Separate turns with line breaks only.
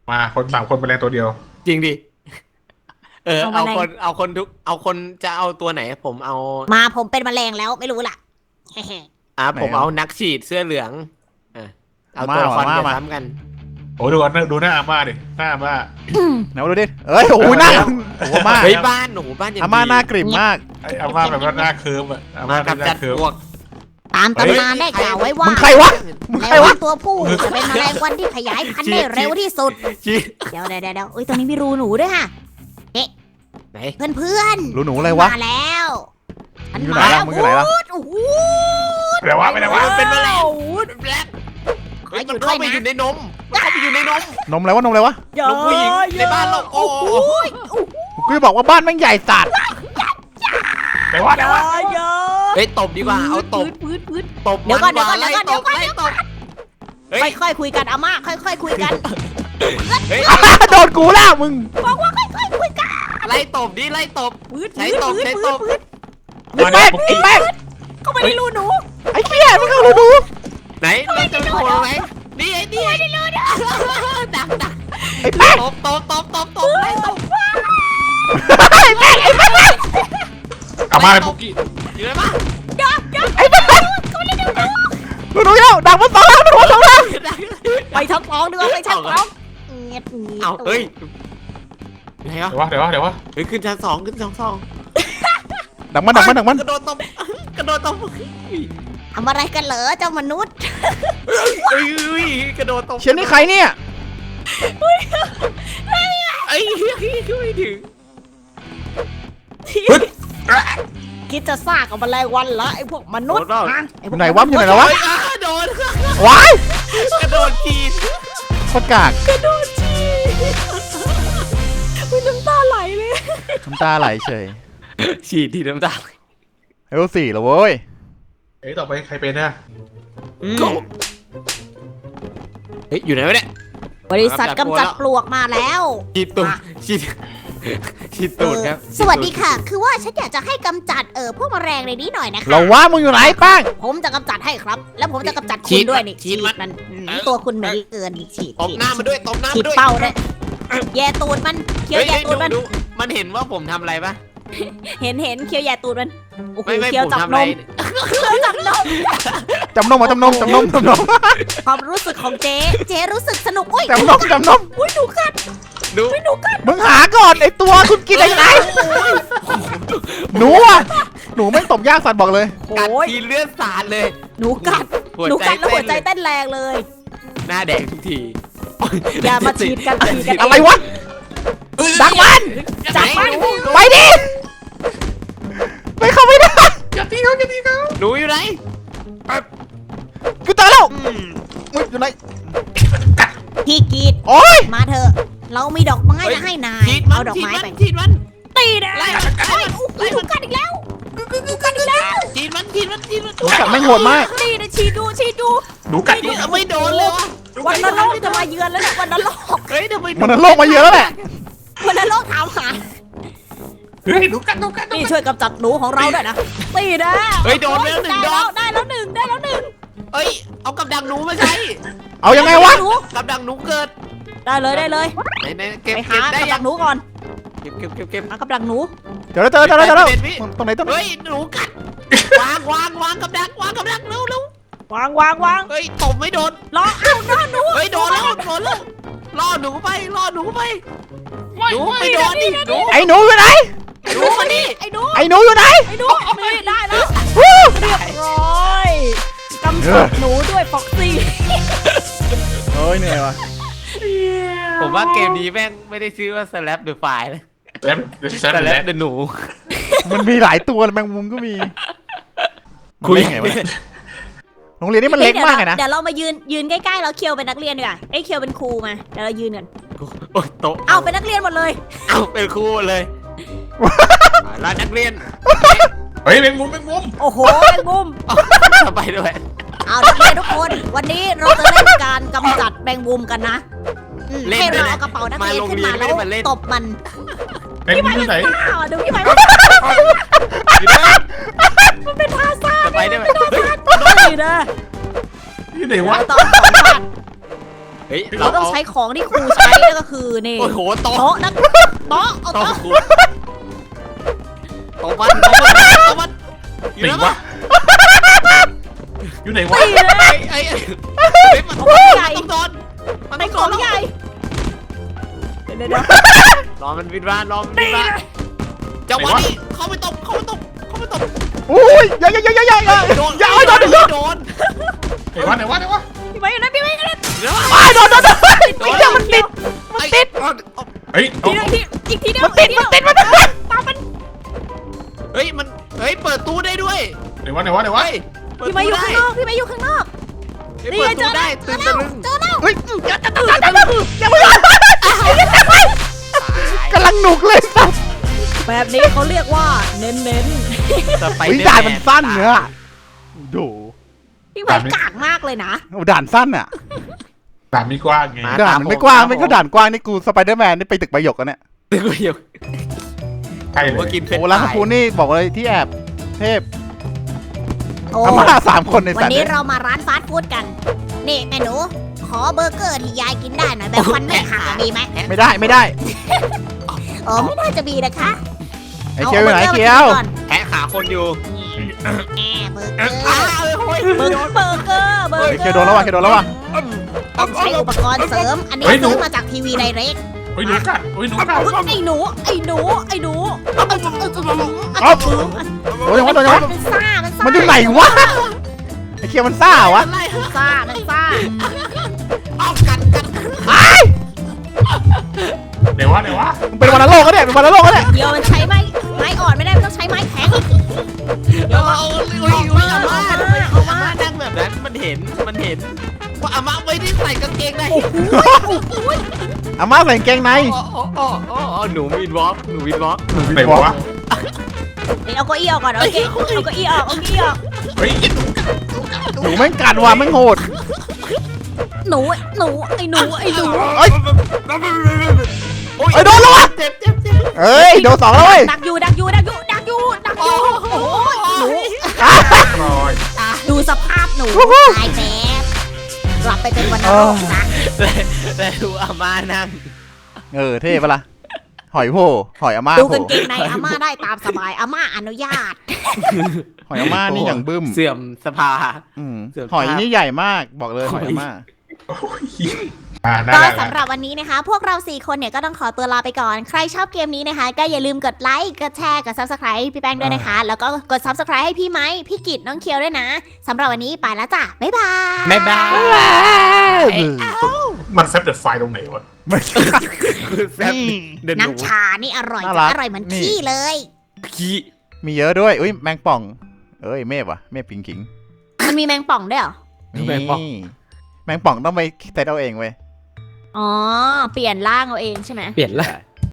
มาคน3 คนแมลงตัวเดียว
จริงดิ
เอาแมลง
เอาคนจะเอาตัวไหนผมเอา
มาผมเป็นแมลงแล้วไม่รู้ล่ะ
ผมเอานักฉีดเสื้อเหลืองเอาตัวละครจะซ้ำกัน
โอ้ดูหน้าอาม่าดิหน้าอาม่า
ไหนมาดูดิเอ้ยโอ้โหหน้าโอ้โหมาก
เฮ้ยบ้านหนูบ้านอย่าง
อาม่าหน้ากริ่มมาก
ไอ้อาม่าแบบว่าหน้าเคิร์มอะอาม่า
มากับ
หน้า
จัด
เคิร์ม
พวก
ตามตำนานได้กล่าวไว้ว่า
มึงใครวะมึงใคร
แมล
วะ
งตัวผู้จะเป็นแมลงวันที่ขยายพันธุ์ได้เร็วที่สุด
ชี้
เดี๋ยวเอ้ยตรงนี้มีรูหนูด้วยค่ะ
ไหน
เพื่อน
รู้หนูอะไรวะ
มาแล้วฉัน
อยู่
มา
ไหน
แล้ว
ล่ะมึงอยู่ไหนล่ะ
โอ้โห
ไปไหนวะไปไหนวะ
เป็นแมลง
โอ้โห
เป็นแบล็ค
ขออยู่
มันเข้าไป
ด้วยนะ
อยู่ในนมมันเข้าไปอยู่ในนม
นมอะไรวะนมอะไรวะ
ลูกผู้หญิงในบ้านเราโอ้โห
กูจะบอกว่าบ้านแม่งใหญ่สัตว์
ไปวะไปวะ
เฮ้ยตบดีกว่าเอาตบ
พื้น
ตบ
เดี๋ยวก่อน
มั
เดี๋ยวก่อน
ไล่ตบ
เดี๋ยวก่อน
ไล่ตบเฮ้ย
ค่อยๆคุยกันอาม่าค่อยๆคุยกัน
เฮ้ย
โดนกูแล้วมึง
บอกว่าค่อยๆคุยกัน
ไล่ตบดิไล่ตบ
พื้น
ใช้ตบใช้ตบ
ไอ้แม่งไอ้แม่ง
เข้าไปในรูหนู
ไอ้เหี้ยมึงเอารู้ดู
ไหนเราจะโผล่ไหมนี่ไอ้นี่ดัก
ไอ้แม่ง
ตบไล่ตบ
ไอ้แม่งไอ้แม่ง
อาม่าเป็นปุกกี้
อยู่ไหนบ้าง
ไอ้แม่งรู้ดูแล้วดังมันสองแล้วมันหัวสองแล้ว
ไปทั้งท้องดีกว่าไปทั้งท้องเงียบ
เอาเฮ้ยไหนวะ
เดี๋ยววะ
เฮ้ยขึ้นชั้น2ขึ้นชั้น2
ดังมัน
กระโดดตบเ
ทำอะไรกันเหรอเจ้ามนุษย์
ฮ้ยกระโดดตบ
เชียร์นี่ใครเนี่ย
ไอ้ไม่ถึง
คิดจะซ่ากับแมลงวันเหรอไอ้พวกมนุษย์ฮะอ้พวก
ไหนวะอยู่ไหนแล้ววะ
โดน
ว้าย
กระโดดกีน
โคตรกาก
กระโดดจีอุ้ยน้ำตาไหลเลย
น้ำตาไหลเฉย
ฉีดทีน้ำตา
เอลสี่แล้วเว้ย
เอ้ยต่อไปใครเป็นนะ
เฮ้ยอยู่ไหนวะเนี่ย
บริษัทกำจัดปลวกมาแล้ว
ฉีดตูดฉีดตูดครับ
สวัสดีค่ะ คือว่าฉันอยากจะให้กำจัดพวกแมลงในนี้หน่อยนะคะ
เราว่ามึงอยู่ไหนป้าง
ผมจะกำจัดให้ครับ แล้วผมจะกำจัดคุณด้วยนี่ฉีดมันตัวคุณเหม็นเกินฉีด
ตบหน้ามันด้วยตบหน้า
ฉี
มั
ด
นด้วย
เป้าด้วยแย่ตูดมันเคี้ยวแย่ตูดมัน
ดูมันเห็นว่าผมทำอะไรปะ
เห็นเคี้ยวแย่ตูดมันโอ้โห
ไม่
เคี้ยว
ผม
จับ
ทำ
น
อะไร
มเคี้ยวจับนม
จำนมมาจำนม
ความรู้สึกของเจ๊รู้สึกสนุกอุ้ย
จำนม
อุ้ยหนูกัด
ดู
อุ้ยหนูกัด
มึงหาก่อนไอตัวคุณกินอะไรหนูอ่ะหนูไม่งตบยากสัตว์บอกเลย
กัด
โอ้ย
ทีเลือดสาดเลย
หนูกัดหนูกัดแล้วหัวใจเต้นแรงเลย
หน้าแดงทุกที
อย่ามาฉีดกันฉีดกัน
อะไรวะดังมัน
จับมัน
ไปดิไม่เข้าไม่ได้
หนูอยู่ไหน
กูเจอแล้วมึงอยู่ไหน
พี่กีด
โอ้ย
มาเถอะเรามีดอกไม้จะให้นาย
ฉีดมั
เอา
น
ดอก
ฉีด
ไม้
มัน
ไป
ฉีดมัน
ตีนะ
ไล่
โอ้ยอุ้ยหนูกัดอีกแล้วหนูกัดอีกแล้ว
ฉีดมัน
หนูกัดไม่งโหดมาก
นี่นะฉีดดู
หนูกัด
นี่ไม่โดนเลยวะ
วันนรกจะมาเยือนแล้วเนี่ยวันนรก
เฮ้ยทำไม
มันโลกมาเยอะแล้วแหละ
วันนรกถามหา
เฮ้ยหนูกัด
นี่ช่วยกำจัดหนูของเราด้วยนะตีนะ
เฮ้ยโดนไปแล้วหนึ่งดอก
ได้แล้วหนึ่ง
เฮ้ยเอากับดักหนูมาใช้
เอายังไงวะ
หนู
กับดักหนูเกิด
ได้เลย
ไหนเก็บ
ไป
เก็
หา
บได้
กับ
ยั
ดั
ง
กหนูก่อน
เก็บ
หากับดักหนู
เดี๋ยวแล้วตรงไหน
เฮ้ยหนูกัดวางกับดักเร็ว
วาง
เฮ้ยตบไม่โดน
รอเอาหน้าหนู
เฮ้ยโดนแล้วล่อหนูไปหนูไปโดนดิหนู
ไอ้หนูอยู่ไหน
หนูมานี่
ไอ้หนู
ไอ้หนูอยู่ไหน
ไม่ได้แล้ว
วู้
เรียบร้อยกำจัดหนูด้วยฟ็อกซี่
เฮ้ยเหนื่อยวะ
ผมว่าเกมนี้แม่งไม่ได้ชื่อว่า Slap the File นะ
แล้ว
Slap the หนู
มันมีหลายตัวแมงมุมก็มีคุยไงวะโรงเรียนนี่มันเล็กมากเลยนะ
เดี๋ยวเรามายืนใกล้ๆแล้วเคียวเป็นนักเรียนดีกว่าไอ้เคียวเป็นครูมาเดี๋ยวเรายืนกัน
โอ้ยโตะ
เอาเป็นนักเรียนหมดเลย
เอาเป็นครูเลยร้านนักเรียน
เฮ้ยเป็นมุม
โอ้โหแมงมุม
ทำไปด้วย
เอานักเรียนทุกคน วันนี้เราจะเล่นการกำจัดแมงมุมกันนะให้เราเอากระเป๋านักเรียนขึ้นมาแล้วตบมัน
เป็นมุมที่ไหน
อ้าวดูพี่ไหม
อยู่ด้วย
มันเป็นท่าซ่า
จะไปได้ไหม
ดีนะ
ที่ไหนวะ
ตอนสองพัน
เฮ้ย
เราต้องใช้ของที่ครูใช้นั่นก็คือนี่
โอ้โหโต๊ะ
โต๊ะนะโต๊ะเอา
โต๊ะ
โต๊ะ
ครูโต๊ะมันอยู่
ไหน
แล้ว
วะอยู่ไหนวะ
ตีเลย
ไอ้มัน
ใหญ่
ต้องโดนมัน
ใน
ต้อง
ก
โด
ล่อง
น
ใหญ่เดี๋ยว
รอมันวินวานรอมันวินวานจังหวะนี้เข้าไปตบ
อุ้ยอย่าโดน
ไหนวะ
ไหนวะ
พี่ไม้อยู่นะพี่ไม้อยู่นะ
เดี๋ยว
โดนเดี๋ยวมันติด
เฮ้ย
ทีนึงอีกทีเดียว
มันติด
ตามมัน
เฮ้ยมันเฮ้ยเปิดตู้ได้ด้วย
ไหนวะ
พี่ไม้อยู่ข้างนอกพี่ไม้อยู่ข้างนอก
เปิดตู้ได้
เจ
ตื่
อน
ตะ
แล้ว
ลึง
เจอแล้ว
เฮ้ยอย่ามึงกำลังหนุกเลยสัส
แบบนี้เขาเรียกว่าเน้น
เฮ้ยด่านมันสั้นเนื้อดู
ๆพี่ไม้กากมากเลยนะ
ด่านสั้นอ่ะ
ด่านมีกว้างไง
ด่านมันไม่กว้างไม่ก็ด่านกว้างนี่กูสไปเดอร์แมนนี่ไปตึกใบหยกกันเนี่ย
ตึกเดียว
ใช่เล
ว่าย กินเพชร
โอ้ร้านข้าวปูนี่บอกเลยที่แอบเทพ
โอ้
อาม่า3 คนใน
วัน
สัตว์
นี้เรามาร้านฟาสต์ฟู้ดกันนี่แม่หนูขอเบอร์เกอร์ที่ยายกินได้หน่อยแบบฟันไม่หักมีไหม
ไม่ได้
ไม่น่าจะมีนะคะ
ไอ้เคียวอยู่ไหนเคียว
แพะขาคนอยู่
เบอร์เกอร์
อ้าวโอ้ย
เบอร์เกอร์
เคียวโดนแล้วว่ะ
ต้องใช้อุปกรณ์เสริม อันนี้ซื้อมาจากทีวีไดเรก
เฮ้ยหนูกัด
ไอ้หนู
โอ้ยยังวะ
มันซ่า
มันอยู่ไหนวะไอ้เคียวมันซ่าวะ
มันซ่า
เอากัน
ไหนวะ
มันเป็นวันโลกก็เนี่ยเป็นวันโลกก็เนี่ย
เดี๋ยวมันใช้ไม้อ่อนไม่ได้มันต้องใช้ไม้แข็ง
เอาอาม่านั่งแบบนั้นมันเห็นว่าอาม่าไม่ได้ใส่กางเกงใน
อาม่าใส่กางเกงใน
หนูวินวอล์ก
ไหนวะ
เอาเก้าอี้ออกก่อนโอเคเอาเก้าอี้ออก
เฮ้ย
หนูแม่งกัดว่ะแม่งโหด
หนูไอ้หนู
เอ้ยโดนแล้ววะ
เจ็บ
เอ้ยโดน2แล้วเว้ย
ดักอยู่โอ้ยหนู
รอย
ดูสภาพหนูตายแน่กลับไปเป็นวันนรกนะ
แล้วดูอาม่านั่ง
เท่ปะล่ะหอยโพหอยอาม่า
ดู
โผ
กางเกงในอาม่าได้ตามสบายอาม่าอนุญาต
หอยอาม่านี่อย่างบึ้ม
เสื่อมสภา
หอยนี่ใหญ่มากบอกเลยหอยอาม่า
น่า
ก็
รัก
สำหรับวันนี้นะคะ พวกเรา4คนเนี่ยก็ต้องขอตัวลาไปก่อน ใครชอบเกมนี้นะคะ ก็อย่าลืมกดไลค์กดแชร์กด Subscribe ให้พี่แป้งด้วยนะคะ แล้วก็กด Subscribe ให้พี่ไม้พี่กิตน้องเคียวด้วยนะสำหรับวันนี้ไปแล้วจ้ะบ๊ายบาย
บ๊ายบาย
มันแซฟเดอะไฟตรงไหนวะ
น้ำชานี่อร่อย
น่ารัก
อร่อยเหมือนขี้เลย
ขี้
มีเยอะด้วยอุ้ยแมงป่องเมฆว่ะเมฆปิงขิง
มันมีแมงป่องด้วยเหรอ
นี่แมงป่องต้องไปเซตเอาเองเว้ย
อ๋อเปลี่ยนร่างเอาเองใช่ไหม
เปลี่ยนละ